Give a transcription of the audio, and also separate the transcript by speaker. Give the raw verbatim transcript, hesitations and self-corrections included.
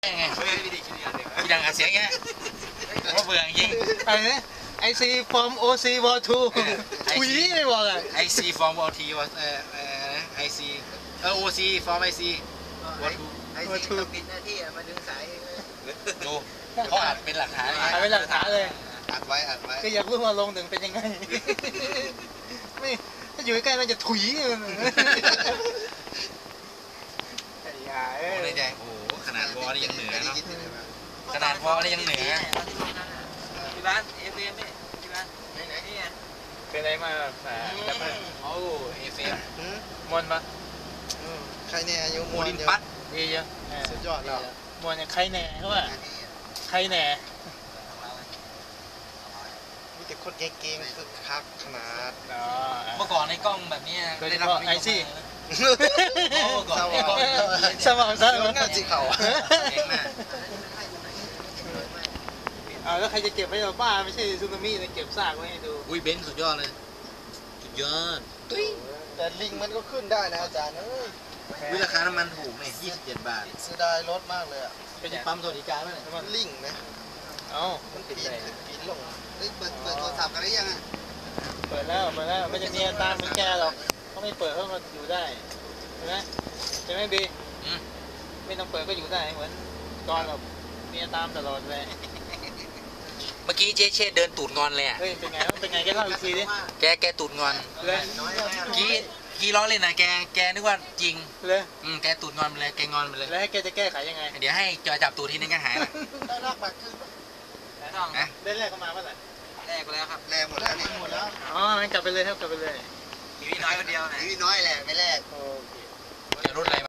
Speaker 1: ไงพี่ดังอัดเสียงแค่ผมว่าเบื่อจริง
Speaker 2: อะไรนะไอซีฟอร์มโอซีวอลทูคุยไม่บอกอ่ะ
Speaker 1: ไอซีฟอร์มวอลทีวอเอ่อเอ่อไอซีเออโอซีฟอร์มไอซีวอลทู
Speaker 3: ไอซีต้องปิดหน้าที่มาดึงสาย
Speaker 1: ดูเขาอัดเป็นหลักฐาน
Speaker 2: อัดเป็นหลักฐานเลย
Speaker 3: อัดไว้อัดไว้
Speaker 2: ก็อยากรู้ว่าลงหนึ่งเป็นยังไงไม่ถ้าอยู่ใกล้มันจะถุยไอ้ยาเอ้ย
Speaker 1: ในใจโอ้โหขนาดวอลนี่ยังเหนือเนาะขนาดวอลนี่ยังเหนือ
Speaker 3: ที่บ้านเอฟเอ็มนี่ที่บ้านไหนไหนนี่
Speaker 2: เป็นอะไรมาแบบแบบ
Speaker 1: โอ้เอฟเอ็ม
Speaker 2: มวนปะ
Speaker 3: ใครเนี่ยอยู่มว
Speaker 1: นปัด
Speaker 2: ดีเยอะ
Speaker 3: สุดยอดแล้ว
Speaker 2: มวนอย่างใครแหน่เขาว่าใครแหน่
Speaker 3: มีแต่คนเก่งๆคึกคักขนาด
Speaker 1: เมื่อก่อนในกล้องแบบนี้
Speaker 2: ได้รับไอซี่
Speaker 1: สว่าง
Speaker 2: สว่างสว่าง
Speaker 3: งานสีเขา
Speaker 2: เอาแล้วใครจะเก็บไว้เราบ้าไม่ใช่ซูนามินะเก็บซากไว้ให้ดู
Speaker 1: อุ้ยเบนซ์สุดยอดเลยสุดยอด
Speaker 3: แต่ลิงมันก็ขึ้นได้นะอาจารย์เอ้ย
Speaker 1: วิราคาน้ำมันถูกเนี่ยยี่สิบเจ็ดบาท
Speaker 3: เสียดายรถมากเลยอ่ะ
Speaker 1: เป็นปั๊มสวัสดิการไหม
Speaker 3: มันลิงไหม
Speaker 2: เอ้า
Speaker 3: มันปีนขึ้นปีนลงเปิดเปิดโทรศัพท์กันได้ยังอ่ะ
Speaker 2: เปิดแล้วเปิดแล้วไม่จะมีตามเหมือนแกหรอกเขาไม่เปิดเขาก็อยู่ได้ใช่ไหมใช่ไหมบีไม่ต้องเปิดก็อยู่ได้เหมือนตอนแบบมีตามตลอดเลย
Speaker 1: เมื่อกี้เจ๊เช่เดินตูดงอนเลยอ่ะ
Speaker 2: เฮ้ยเป็นไงเป็นไงแกเล่าอีกทีดิ
Speaker 1: แกแกตูดงอน
Speaker 2: เลย
Speaker 1: กี้กี้ล้อเล่นนะแกแกนึกว่าจริง
Speaker 2: เลย
Speaker 1: อืมแกตูดงอนไปเลยแกงอนไปเลย
Speaker 2: แล้วให้แกจะแก้ไขยังไง
Speaker 1: เดี๋ยวให้จอยจับตูดทีนึงก็หายละ
Speaker 3: ได้รากบัตรขึ้น
Speaker 2: ได้ต้องนะได้แรกเข้ามาเมื่อไหร่
Speaker 3: แรกแล้วครับแรกหมดแล้วนี่หมดแล้ว
Speaker 2: อ๋องั้นกลับไปเลยครับกลับไปเลย
Speaker 3: มีน้อยคนเดียวนะมีน้อยแหละไม่แรก
Speaker 2: โอเค
Speaker 1: จะรุ่นอะไร